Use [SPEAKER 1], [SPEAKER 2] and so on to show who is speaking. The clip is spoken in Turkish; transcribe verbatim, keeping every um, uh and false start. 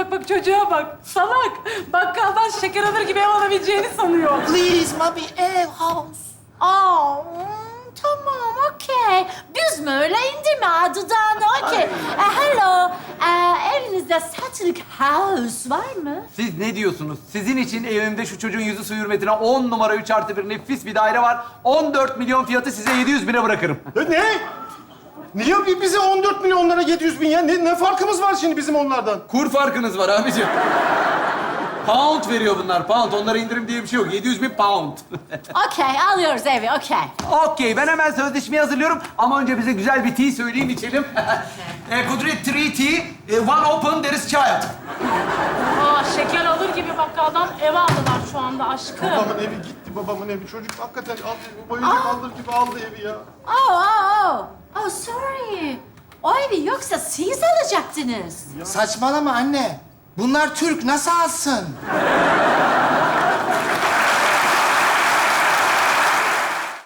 [SPEAKER 1] bak bak çocuğa bak. Salak. Bakkaldan şeker alır gibi ev alabileceğini sanıyor.
[SPEAKER 2] Please, mami, ev, house.
[SPEAKER 3] Aa, hmm, tamam, okey. Düz mü öyle indirme dudağını, okey. E, hello, e, evinizde satılık house var mı?
[SPEAKER 4] Siz ne diyorsunuz? Sizin için evimde şu çocuğun yüzü su hürmetine on numara üç artı bir nefis bir daire var. on dört milyon fiyatı size yedi yüz bine bırakırım.
[SPEAKER 5] E, Ne? Niye bi- bize on dört milyonlara yedi yüz bin ya? Ne, ne farkımız var şimdi bizim onlardan?
[SPEAKER 4] Kur farkınız var abiciğim. Pound veriyor bunlar, pound. Onlara indirim diye bir şey yok. yedi yüz bin pound.
[SPEAKER 3] Okey, alıyoruz evi, okey.
[SPEAKER 4] Okey, ben hemen sözleşmeyi hazırlıyorum. Ama önce bize güzel bir tea söyleyin, içelim. e, Kudret, three tea, e, one open, there is child.
[SPEAKER 1] Aa, şeker alır gibi bakkaldan ev aldılar şu anda aşkım.
[SPEAKER 5] Babamın evi gitti, babamın evi. Çocuk hakikaten al, oyuncak alır gibi aldı evi ya.
[SPEAKER 3] Oh, oh, oh. Oh, sorry. O evi yoksa siz alacaktınız.
[SPEAKER 2] Saçmalama anne. Bunlar Türk, nasıl alsın?